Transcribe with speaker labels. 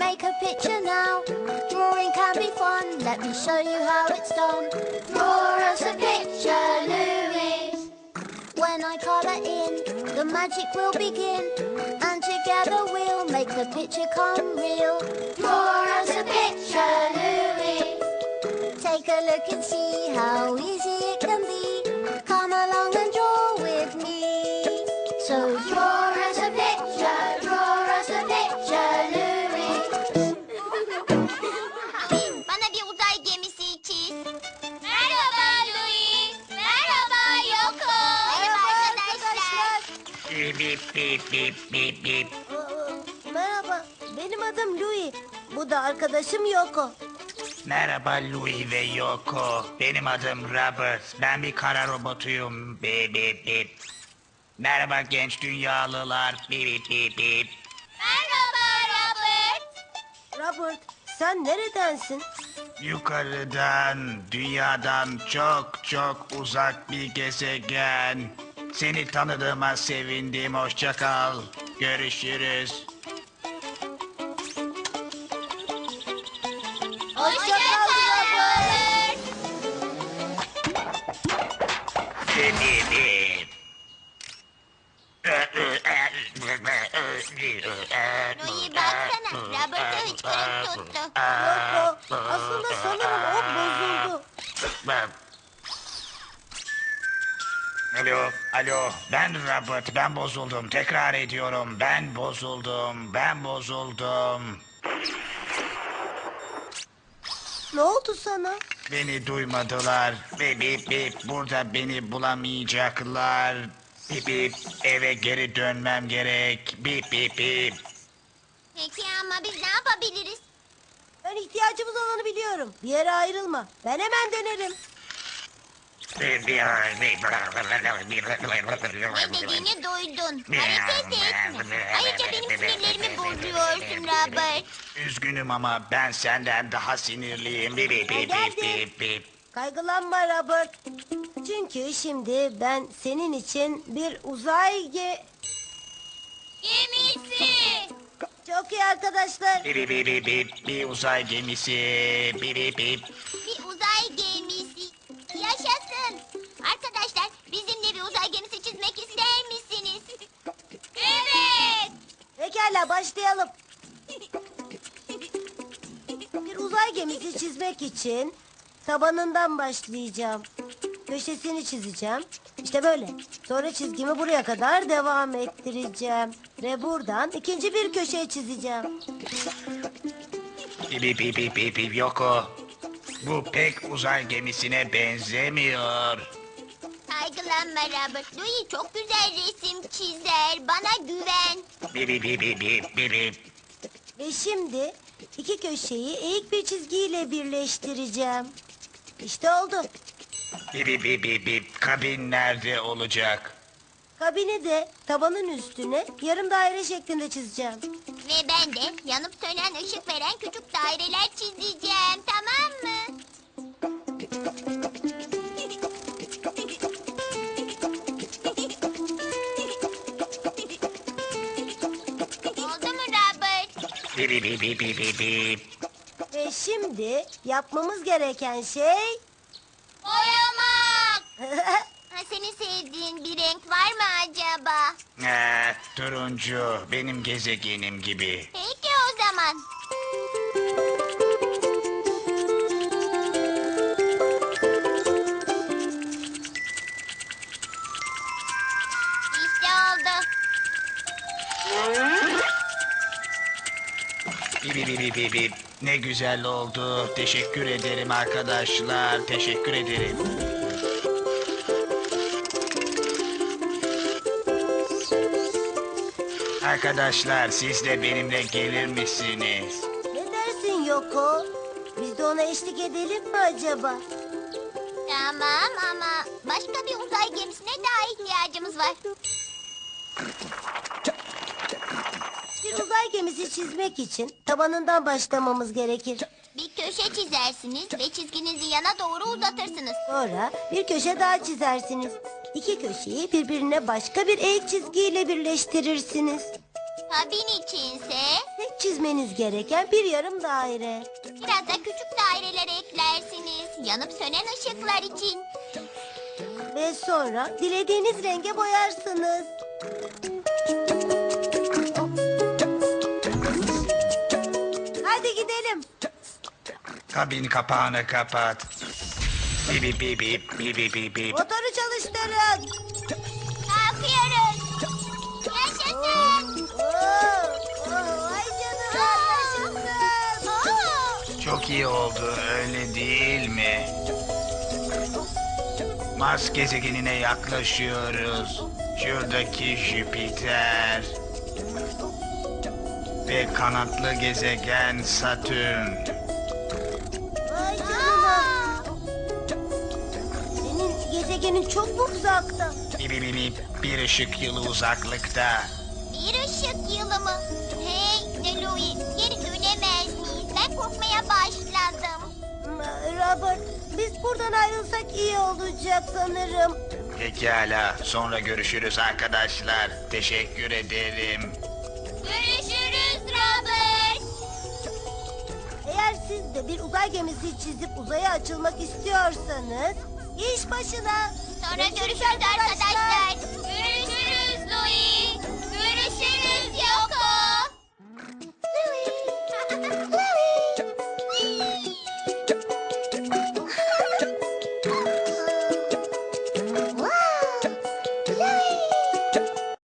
Speaker 1: make a picture now. Drawing can be fun, let me show you how it's done. Draw us a picture, Louise. When I colour in, the magic will begin. And together we'll make the picture come real. Draw us a picture, Louise. Take a look and see how easy it can be. Come along and draw with me. So draw us a picture, Louise.
Speaker 2: Bana bir uzay gemisi çiz. Merhaba Louis. Merhaba Yoko. Merhaba arkadaşlar.
Speaker 3: Bip bip bip bip bip.
Speaker 4: Merhaba, benim adım Louis. Bu da arkadaşım Yoko.
Speaker 3: Merhaba Louis ve Yoko. Benim adım Robert. Ben bir kara robotuyum. Bip bip bip. Merhaba genç dünyalılar. Bip bip bip bip.
Speaker 2: Merhaba Robert.
Speaker 4: Robert, sen neredensin?
Speaker 3: Yukarıdan, dünyadan çok çok uzak bir gezegen. Seni tanıdığıma sevindim. Hoşça kal. Görüşürüz.
Speaker 4: Hoşça kal Robert.
Speaker 3: Bip bip bip.
Speaker 2: Louis baksana. Robert'ı hıçkırık tuttu.
Speaker 4: Yoko, aslında sanırım o bozuldu.
Speaker 3: Alo, alo. Ben Robert, ben bozuldum. Tekrar ediyorum, ben bozuldum, ben bozuldum.
Speaker 4: Ne oldu sana?
Speaker 3: Beni duymadılar. Bip bip bip, burada beni bulamayacaklar. Bip bip, eve geri dönmem gerek. Bip bip bip.
Speaker 2: Peki ama biz ne yapabiliriz?
Speaker 4: Ben ihtiyacımız olanı biliyorum. Bir yere ayrılma. Ben hemen dönerim.
Speaker 2: Ne dediğini duydun. Hareket etme. Ayrıca benim sinirlerimi bozuyorsun Robert.
Speaker 3: Üzgünüm ama ben senden daha sinirliyim. Bip bip bip bip bip bip.
Speaker 4: Kaygılanma Robert. Çünkü şimdi ben senin için bir uzay
Speaker 2: Gemisi.
Speaker 4: Çok iyi arkadaşlar.
Speaker 3: Bip bip bip bip, bir uzay gemisi. Bip bip bip.
Speaker 2: Bir uzay gemisi. Yaşasın. Arkadaşlar bizimle bir uzay gemisi çizmek ister misiniz? Evet.
Speaker 4: Pekala başlayalım. Bir uzay gemisi çizmek için tabanından başlayacağım. Köşesini çizeceğim. İşte böyle. Sonra çizgimi buraya kadar devam ettireceğim. Ve buradan ikinci bir köşe çizeceğim.
Speaker 3: Bip bip bip bip bip bip. Yoko. Bu pek uzay gemisine benzemiyor.
Speaker 2: Kaygılanma Robert. Louis çok güzel resim çizer. Bana güven.
Speaker 3: Bip bip bip bip bip bip bip.
Speaker 4: Ve şimdi iki köşeyi eğik bir çizgiyle birleştireceğim. İşte oldu.
Speaker 3: Bip bip bip bip bip. Kabin nerede olacak?
Speaker 4: Kabini de tabanın üstüne yarım daire şeklinde çizeceğim.
Speaker 2: Ve ben de yanıp sönen ışık veren küçük daireler çizeceğim. Tamam mı? Oldu mu Robert?
Speaker 3: Bip bip bip bip bip bip bip.
Speaker 4: Ve şimdi yapmamız gereken şey...
Speaker 2: Boyamak. Ha, senin sevdiğin bir renk var mı acaba?
Speaker 3: Turuncu. Benim gezegenim gibi.
Speaker 2: Peki o zaman. İşte oldu.
Speaker 3: Bip bip bip bip bip. Ne güzel oldu. Teşekkür ederim arkadaşlar. Teşekkür ederim. Arkadaşlar siz de benimle gelir misiniz?
Speaker 4: Ne dersin Yoko? Biz de ona eşlik edelim mi acaba?
Speaker 2: Tamam ama başka bir uzay gemisine daha ihtiyacımız var.
Speaker 4: Bir uzay gemisi çizmek için tabanından başlamamız gerekir.
Speaker 2: Bir köşe çizersiniz ve çizginizi yana doğru uzatırsınız.
Speaker 4: Sonra bir köşe daha çizersiniz. İki köşeyi birbirine başka bir eğik çizgiyle birleştirirsiniz.
Speaker 2: Kabin içinse
Speaker 4: Tek çizmeniz gereken bir yarım daire.
Speaker 2: biraz da küçük daireler eklersiniz. Yanıp sönen ışıklar için.
Speaker 4: Ve sonra dilediğiniz renge boyarsınız. Hadi gidelim.
Speaker 3: Kabin kapağını kapat. Bip bip bip bip bip bip bip bip.
Speaker 4: Motoru çalıştırın.
Speaker 2: Kalkıyoruz. Yaşasın.
Speaker 4: Vay canına, yaşasın.
Speaker 3: Çok iyi oldu öyle değil mi? Mars gezegenine yaklaşıyoruz. Şuradaki Jüpiter. Ve kanatlı gezegen Satürn.
Speaker 4: Vay canına. Senin gezegenin çok mu uzakta?
Speaker 3: Bip bip bip, bir ışık yılı uzaklıkta.
Speaker 2: Bir ışık yılı mı? Hey Louis, geri dönemez miyiz? Ben korkmaya başladım.
Speaker 4: Robert, biz buradan ayrılsak iyi olacak sanırım.
Speaker 3: Pekala, sonra görüşürüz arkadaşlar. Teşekkür ederim.
Speaker 2: Görüşürüz Robert.
Speaker 4: Eğer siz de bir uzay gemisi çizip uzaya açılmak istiyorsanız iş başına.
Speaker 2: Sonra görüşürüz arkadaşlar.